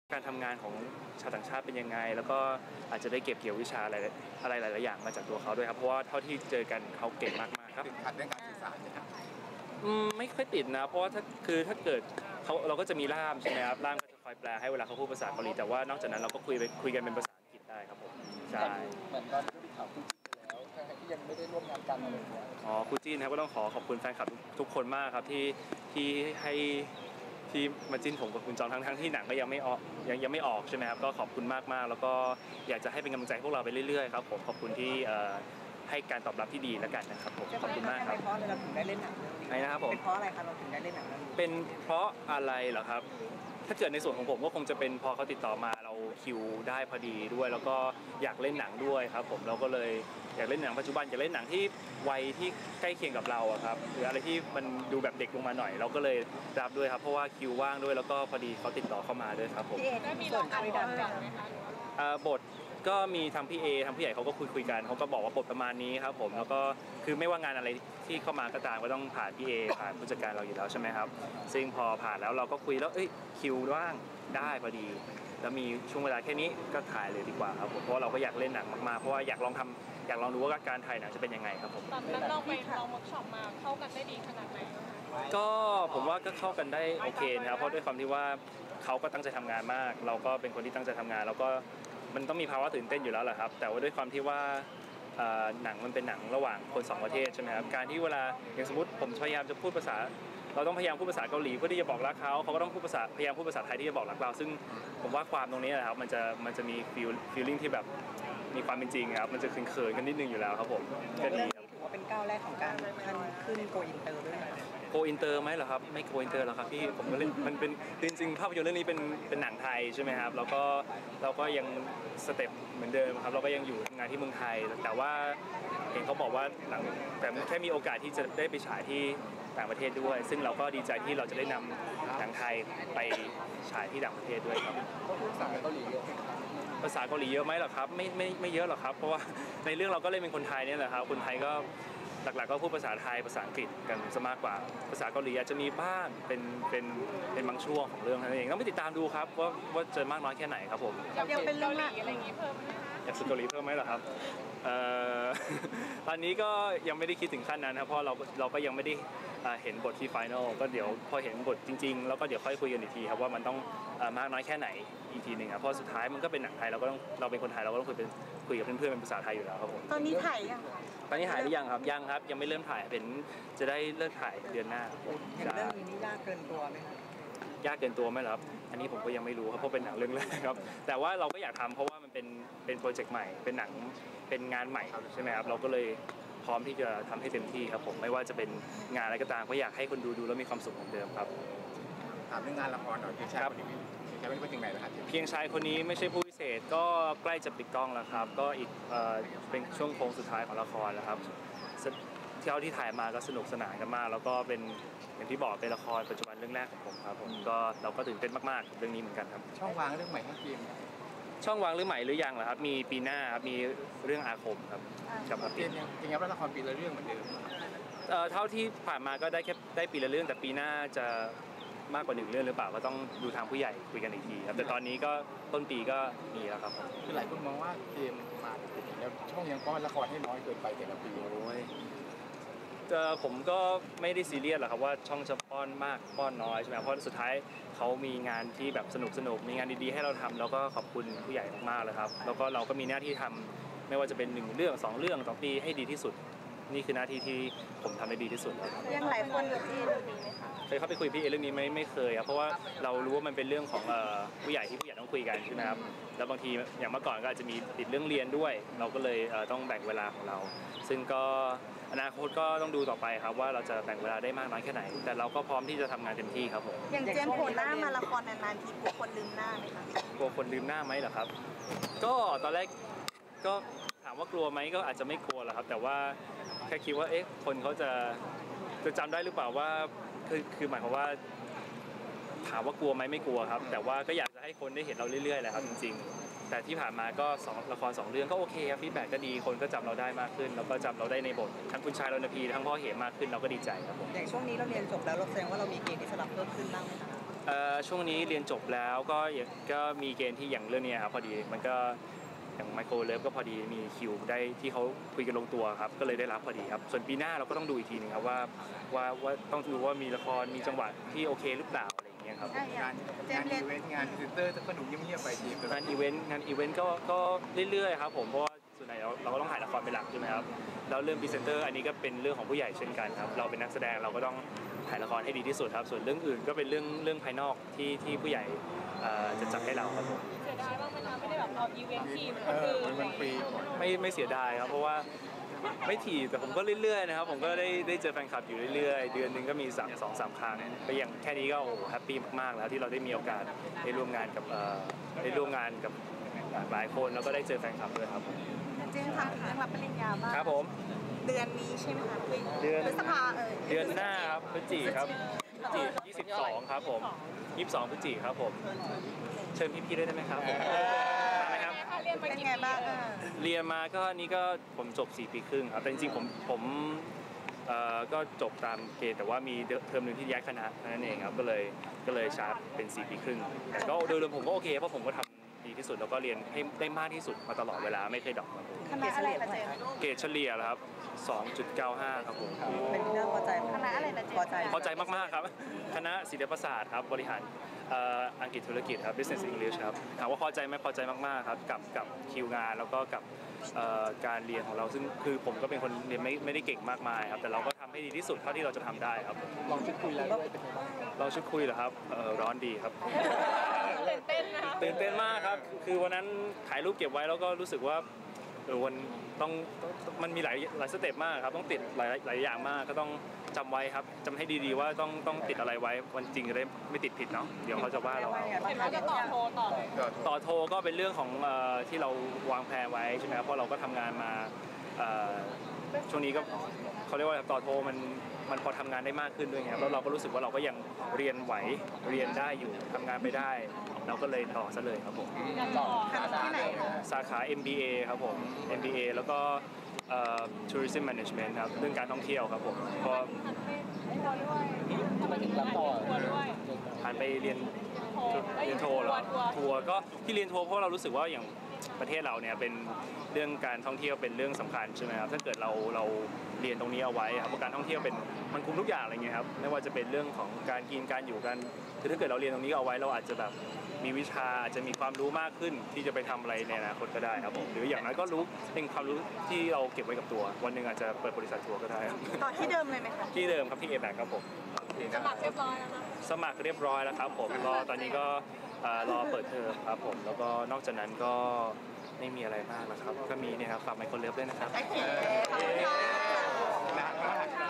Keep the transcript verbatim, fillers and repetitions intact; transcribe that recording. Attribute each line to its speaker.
Speaker 1: การทำงานของชาวต่างชาติเป็นยังไงแล้วก็อาจจะได้เก็บเกี่ยววิชาอะไรอะไรหลายๆอย่างมาจากตัวเขาด้วยครับเพราะว่าเท่าที่เจอกันเขาเก่งมากๆครับ
Speaker 2: ติดขัดเรื่องการสื่อสารนะครับ
Speaker 1: อืมไม่ค่อยติดนะเพราะว่าถ้าคือถ้าเกิดเขาเราก็จะมีล่ามใช่ไหมครับล่ามก็จะคอยแปลให้เวลาเขาพูดภาษาเกาหลีแต่ว่านอกจากนั้นเราก็คุยไปคุยกันเป็นภาษาอังกฤษได้ครับผมใช่
Speaker 2: เหมือนตอนที่ข่าวคู่จิ้นไปแล้วทั้งที่ยังไม่ได้ร่วมงานกันอะไรอย่างเงี้ย
Speaker 1: อ๋อคู่จิ้นครับก็ต้องขอขอบคุณแฟนคลับทุกคนมากครับที่ที่ให้ที่มาจิ้นผมกับคุณจองทั้งทั้งที่หนังก็ยังไม่ออกยังยังไม่ออกใช่ไหมครับก็ขอบคุณมากๆแล้วก็อยากจะให้เป็นกำลังใจพวกเราไปเรื่อยๆครับผมขอบคุณที่ให้การตอบรับที่ดีแล้วกันนะครับผมขอบคุณมากครับ
Speaker 3: เป็นเพราะอะไรเราถึงได้เล่นหนังเรื่องนี้
Speaker 1: ใช่นะครับผม
Speaker 3: เป็นเพราะอะไรครับเราถึงได้เล่นหนังเรื่องนี้
Speaker 1: เป็นเพราะอะไรเหรอครับถ้าเกิดในส่วนของผมก็คงจะเป็นพอเขาติดต่อมาเราคิวได้พอดีด้วยแล้วก็อยากเล่นหนังด้วยครับผมเราก็เลยอยากเล่นหนังปัจจุบันอยากเล่นหนังที่วัยที่ใกล้เคียงกับเราครับหรืออะไรที่มันดูแบบเด็กลงมาหน่อยเราก็เลยรับด้วยครับเพราะว่าคิวว่างด้วยแล้วก็พอดีเขาติดต่อเข้ามาด้วยครับผม
Speaker 3: พี่เอได้มีลองอ่านบทก่อนไหมคะ
Speaker 1: บทก็มีทางพี่เอทางผู้ใหญ่เขาก็คุยคุยกันเขาก็บอกว่าบทประมาณนี้ครับผมแล้วก็คือไม่ว่างานอะไรที่เข้ามาก็ตามก็ต้องผ่านพี่เอผ่านผู้จัดการเราอยู่แล้วใช่ไหมครับซึ่งพอผ่านแล้วเราก็คุยแล้วเอ้ยคิวว่างได้พอดีแล้วมีช่วงเวลาแค่นี้ก็ถ่ายเลยดีกว่าครับผมเพราะเราก็อยากเล่นหนังมากๆเพราะว่าอยากลองทำอยากลองดูว่าการถ่ายหนังจะเป็นยังไงครับผม
Speaker 4: ตอนนั้นเราไปลองเวิร์กช็อปมาเข้ากันได้ดีขนาดไหน
Speaker 1: ก็ผมว่าก็เข้ากันได้โอเคนะครับเพราะด้วยความที่ว่าเขาก็ตั้งใจทำงานมากเราก็เป็นคนที่ตั้งใจทำงานแล้วก็มันต้องมีภาวะตื่นเต้นอยู่แล้วแหละครับแต่ว่าด้วยความที่ว่าหนังมันเป็นหนังระหว่างคนสองประเทศใช่ไหมครับการที่เวลาอย่างสมมติผมพยายามจะพูดภาษาเราต้องพยายามพูดภาษาเกาหลีเพื่อที่จะบอกรักเขาเขาก็ต้องพูดภาษาพยายามพูดภาษาไทยที่จะบอกรักเราซึ่งผมว่าความตรงนี้นะครับมันจะมันจะมีฟีลฟีลลิ่งที่แบบมีความเป็นจริงครับมันจะเขินๆกันนิดนึงอยู่แล้วครับผม
Speaker 3: ก็ดีครับถือว่าเป็นก้าวแรกของการขั้นขึ้นโกอินเตอร์ด้วย
Speaker 1: โกอินเตอร์ไหมเหรอครับไม่โกอินเตอร์หรอกครับพี่ผมก็เล่นมันเป็นจริงๆภาพยนตร์เรื่องนี้เป็นเป็นหนังไทยใช่ไหมครับแล้วก็เราก็ยังสเต็ปเหมือนเดิมครับเราก็ยังอยู่ทำงานที่เมืองไทยแต่ว่าเห็นเขาบอกว่าหนังแต่แค่มีโอกาสที่จะได้ไปฉายที่ต่างประเทศด้วยซึ่งเราก็ดีใจที่เราจะได้นำหนังไทยไปฉายที่ต่างประเทศด้วยครับ
Speaker 2: ภาษาเกาหลีเยอะ
Speaker 1: ภาษาเกาหลีเยอะไหมหรอครับไม่ไม่ไม่เยอะหรอกครับเพราะว่าในเรื่องเราก็เล่นเป็นคนไทยเนี่ยแหละครับคนไทยก็หลักๆก็พูดภาษาไทยภาษาอังกฤษกันซะมากกว่าภาษาเกาหลีอาจจะมีบ้างเป็นเป็นเป็นบางช่วงของเรื่องนั่นเองต้องไปติดตามดูครับว่าว่าจะมากน้อยแค่ไหนครับผม
Speaker 4: ยังเป็นเรื่องอะไรอย่างนี้เพิ่มไหมคะ
Speaker 1: อยากฝึกเกาหลีเพิ่มไหมหรอครับตอนนี้ก็ยังไม่ได้คิดถึงขั้นนั้นครับเพราะเราเราก็ยังไม่ได้เห็นบทที่ไฟนอลก็เดี๋ยวพอเห็นบทจริงๆแล้วก็เดี๋ยวค่อยคุยกันอีกทีครับว่ามันต้องมากน้อยแค่ไหนอีกทีหนึ่งครับเพราะสุดท้ายมันก็เป็นหนังไทยเราก็ต้องเราเป็นคนไทยเราก็ต้องคุยเป็นคุยกับเพื่อนๆเป็นภาษาไทยอยู่แล้วครับผม
Speaker 3: ตอนนี้ถ่ายยัง
Speaker 1: ตอนนี้ถ่ายหรือยังครับยังครับยังไม่เริ่มถ่ายเป็นจะได้เริ่มถ่ายเดือนหน้า
Speaker 3: อย่างเรื่องนี้นี่ยากเกินตัวไหมครับ
Speaker 1: ยากเกินตัวไหมครับอันนี้ผมก็ยังไม่รู้ครับเพราะเป็นหนังเรื่องแรกครับแต่ว่าเราก็อยากทำเพราะว่ามันเป็นเป็นโปรเจกต์ใหม่เป็นหนังเป็นงานใหม่ใช่ไหมครับเราก็เลยพร้อมที่จะทำให้เต็มที่ครับผมไม่ว่าจะเป็นงานอะไรก็ตามก็อยากให้คนดูดูแล้วมีความสุขเหมือนเดิมครับ
Speaker 2: ถามเรื่องงานละครหน่อยพี่ชายคนนี้จะเป็นคนยังไงนะครับ
Speaker 1: เพียงชายคนนี้ไม่ใช่ผู้พิเศษก็ใกล้จะปิดกล้องแล้วครับก็อีกเป็นช่วงโค้งสุดท้ายของละครแล้วครับเที่ยวที่ถ่ายมาก็สนุกสนานกันมากแล้วก็เป็นอย่างที่บอกเป็นละครปัจจุบันเรื่องแรกของผมครับผมก็เราก็ตื่นเต้นมากๆเรื่องนี้เหมือนกันครับ
Speaker 2: ช่องวางเรื่องใหม่ให้ทีม
Speaker 1: ช่องวางเรื่องใหม่หรือยังเหรอครับมีปีหน้าครับมีเรื่องอาคมครับ
Speaker 2: กับอาทิตย์จริงๆแล้วละครปีละเรื่องเหมือนเดิม
Speaker 1: เท่าที่ผ่านมาก็ได้แค่ได้ปีละเรื่องแต่ปีหน้าจะมากกว่าหนึ่งเรื่องหรือเปล่าก็ต้องดูทางผู้ใหญ่คุยกันอีกทีครับแต่ตอนนี้ก็ต้นปีก็มีแล้วครับ
Speaker 2: คือหลายคนมองว่าเกมมาแล้วช่องยังป้อนละครให้น้อยเกินไปแต่ละปี
Speaker 1: โอ้ยผมก็ไม่ได้ซีเรียสหรอกครับว่าช่องจะป้อนมากป้อนน้อยใช่ไหมเพราะสุดท้ายเขามีงานที่แบบสนุกสนุกมีงานดีๆให้เราทำแล้วก็ขอบคุณผู้ใหญ่มากๆเลยครับแล้วก็เราก็มีหน้าที่ทำไม่ว่าจะเป็นหนึ่งเรื่องสองเรื่องต่อปีให้ดีที่สุดนี่คือหน้าที่ที่ผมทำได้ดีที่สุด
Speaker 3: ยังหลายคนกับพี่เรื่องนี้ไหมคะ
Speaker 1: เคยเข้าไปคุยพี่เรื่องนี้ไม่ไม่เคยครับเพราะว่าเรารู้ว่ามันเป็นเรื่องของผู้ใหญ่ที่ผู้ใหญ่ต้องคุยกันใช่ไหมครับแล้วบางทีอย่างเมื่อก่อนก็อาจจะมีติดเรื่องเรียนด้วยเราก็เลยต้องแบ่งเวลาของเราซึ่งก็อนาคตก็ต้องดูต่อไปครับว่าเราจะแบ่งเวลาได้มากน้อยแค่ไหนแต่เราก็พร้อมที่จะทำงานเต็มที่ครับผม
Speaker 3: อย่างเจมส์โผล่หน้ามาละครนานๆทีกลัวคนลืมหน้าไหมคะ
Speaker 1: กลัวคนลืมหน้าไหมเหรอครับก็ตอนแรกก็ถามว่ากลัวไหมก็อาจจะไม่กลัวหรอกครับแต่ว่าแค่คิดว่าเอ๊ะคนเขาจะจะจำได้หรือเปล่าว่าคือคือหมายความว่าถามว่ากลัวไหมไม่กลัวครับแต่ว่าก็อยากจะให้คนได้เห็นเราเรื่อยๆแหละครับจริงๆแต่ที่ผ่านมาก็สองละครสองเรื่องก็โอเคครับฟีดแบ็กก็ดีคนก็จำเราได้มากขึ้นแล้วก็จำเราได้ในบททั้งคุณชายรณพีทั้งพ่อเหมมากขึ้นเราก็ดีใจครับผม
Speaker 3: อย่างช่วงนี้เราเรียนจบแล้วเราแสดงว่าเรามีเกณฑ์ที่จะรับเพิ่มขึ้นบ้างไหมคะ
Speaker 1: เอ่อช่วงนี้เรียนจบแล้วก็ยังก็มีเกณฑ์ที่อย่างเรื่องนี้ครับพอดีมันก็อย่างไมโครเลิฟก็พอดีมีคิวได้ที่เขาคุยกันลงตัวครับก็เลยได้รับพอดีครับส่วนปีหน้าเราก็ต้องดูอีกทีหนึงครับว่าว่าว่าต้องดูว่ามีละครมีจังหวะที่โอเคหรือเปล่าอะไรอย่างเงี้ยครับ
Speaker 2: งานงานอีเวนต์งานพรีเซนเตอร์ก็ดูเงียบๆไปที
Speaker 1: งานอีเวนต์งานอีเวนต์ก็ก็เรื่อยๆครับผมเพราะว่าส่วนใหญ่เราเราก็ต้องถ่ายละครเป็นหลักใช่ไหมครับแล้วเรื่องพรีเซนเตอร์อันนี้ก็เป็นเรื่องของผู้ใหญ่เช่นกันครับเราเป็นนักแสดงเราก็ต้องถ่ายละครให้ดีที่สุดครับส่วนเรื่องอื่นก็เป็นเรื่องเรื่องภายนอกที่ที่ผู้ใหญ่เอ่อจะจัดให้เราครับผม
Speaker 4: เสียดายบ้างไหมคะไม่ได้แบบเอาอีเวนต์ทีม
Speaker 2: เอ
Speaker 4: คน
Speaker 2: อ
Speaker 4: อื่น
Speaker 2: มันมันฟรี
Speaker 1: ไม่ไม่เสียดายครับเพราะว่าไม่ถี่แต่ผมก็เรื่อยๆนะครับผมก็ได้ได้เจอแฟนคลับอยู่เรื่อยๆเดือนหนึงก็มีสามสองสามครั้งก็อย่างแค่นี้ก็โอ้แฮปปี้มากๆแล้วที่เราได้มีโอกาสได้ร่วมงานกับเอ่อได้ร่วมงานกับหลายคนแล้วก็ได้เจอแฟนคลับด้วยครับ
Speaker 3: จริงค่ะเรื่องรับปริญญาบ้าง
Speaker 1: ครับผม
Speaker 3: เดือนนี้ใช่ไหมคะ
Speaker 1: เดือน
Speaker 3: พฤษภาเออ
Speaker 1: เดือนหน้าครับพฤศจิครับพฤศจิยี่สิบสองครับผมยี่สิบสองพฤศจิครับผมเชิญพี่ๆด้วยได้ไหมครับผมมาไหมครับ
Speaker 4: เรียนมา
Speaker 3: เป็น
Speaker 4: กี่
Speaker 3: ไง
Speaker 4: ปี
Speaker 3: บ้าง
Speaker 4: แล้ว
Speaker 3: อ่ะ
Speaker 1: เรียนมาก็นี่ก็ผมจบสี่ปีครึ่งครับแต่จริงๆผมผมเอ่อก็จบตามเกณฑ์แต่ว่ามีเทอมหนึ่งที่ย้ายคณะนั่นเองครับก็เลยก็เลยชาร์จเป็นสี่ปีครึ่งแต่ก็โดยรวมผมก็โอเคเพราะผมก็ทำดีที่สุดแล้วก็เรียนให้ได้มากที่สุดมาตลอดเวลาไม่เคยดรอปครับผม
Speaker 3: คณะอะไรคะเจมส์
Speaker 1: เกรดเฉลี่ยแล้วครับสองจุดเก้าห้าครับผม
Speaker 3: เป็นที่น่าพอใจคณะอะไรนะเจมส์พอใจ
Speaker 1: พอใจมากๆครับคณะศิลปศาสตร์ครับบริหารเอ่ออังกฤษธุรกิจครับ business English ครับถามว่าพอใจไหมพอใจมากๆครับกับกับคิวงานแล้วก็กับเอ่อการเรียนของเราซึ่งคือผมก็เป็นคนเรียนไม่ไม่ได้เก่งมากมายครับแต่เราก็ทำให้ดีที่สุดเท่าที่เราจะทำได้ครับ
Speaker 2: ลองชุดคุยแล้วด้วยเป็นไงบ้าง
Speaker 1: เราชุดคุยเหรอครับเอ่อร้อนดีครับ
Speaker 4: ตื่นเต้นนะคะ
Speaker 1: ตื่นเต้นมากครับคือวันนั้นถ่ายรูปเก็บไว้แล้วก็รู้สึกว่าเออวันต้องต้องมันมีหลายหลายสเต็ปมากครับต้องติดหลายหลายอย่างมากก็ต้องจำไว้ครับจำให้ดีๆว่าต้องต้องติดอะไรไว้วันจริงจะได้ไม่ติดผิดเนาะเดี๋ยวเขาจะว่าเราเอา
Speaker 4: เห็นว่าจะต่อโทรต่อ
Speaker 2: ก็
Speaker 1: ต่อโทรก็เป็นเรื่องของเอ่อที่เราวางแผนไว้ใช่ไหมครับเพราะเราก็ทำงานมาเอ่อช่วงนี้ก็เขาเรียกว่าต่อโทรมันมันพอทำงานได้มากขึ้นด้วยไงครับแล้วเราก็รู้สึกว่าเราก็ยังเรียนไหวเรียนได้อยู่ทำงานไปได้ เราก็เลยต่อซะเลยครับผม
Speaker 2: ต่อ
Speaker 3: คณะที่ไหนคะ
Speaker 1: สาขา เอ็ม บี เอ ครับผม เอ็ม บี เอ แล้วก็เอ่อ tourism management ครับเรื่องการท่องเที่ยวครับผมก็
Speaker 4: ทัวร์ด้วยทำไมถึงรับต่อทัวร์ด้วย
Speaker 1: ผ่านไปเรียน
Speaker 4: โทร
Speaker 1: เรียนโทรเหรอ
Speaker 4: ทัวร์
Speaker 1: ทัวร์ก็ที่เรียนทัวร์เพราะเรารู้สึกว่าอย่างประเทศเราเนี่ยเป็นเรื่องการท่องเที่ยวเป็นเรื่องสำคัญใช่ไหมครับถ้าเกิดเราเราเรียนตรงนี้เอาไว้ครับเพราะการท่องเที่ยวเป็นมันคุมทุกอย่างอะไรเงี้ยครับไม่ว่าจะเป็นเรื่องของการกินการอยู่กันคือถ้าเกิดเราเรียนตรงนี้เอาไว้เราอาจจะแบบมีวิชาอาจจะมีความรู้มากขึ้นที่จะไปทำอะไรในอนาคตก็ได้ครับผมหรืออย่างน้อยก็รู้เป็นความรู้ที่เราเก็บไว้กับตัววันหนึ่งอาจจะเปิดบริษัททัวร์ก็ได้ครับ
Speaker 3: ต่อที่เดิมเลยไหมคะ
Speaker 1: ที่เดิมครับที่เอแบกครับผม
Speaker 4: สมัครเรียบร้อยแล้วนะ
Speaker 1: สมัครเรียบร้อยแล้วครับผมก็ตอนนี้ก็เอ่อรอเปิดเทอมครับผมแล้วก็นอกจากนั้นก็ไม่มีอะไรมากแล้วครับก็มีเนี่ยครับฝากไมโครเลิฟด้วยนะครับ
Speaker 3: โอเคขอบคุณค่ะ
Speaker 2: นานมาก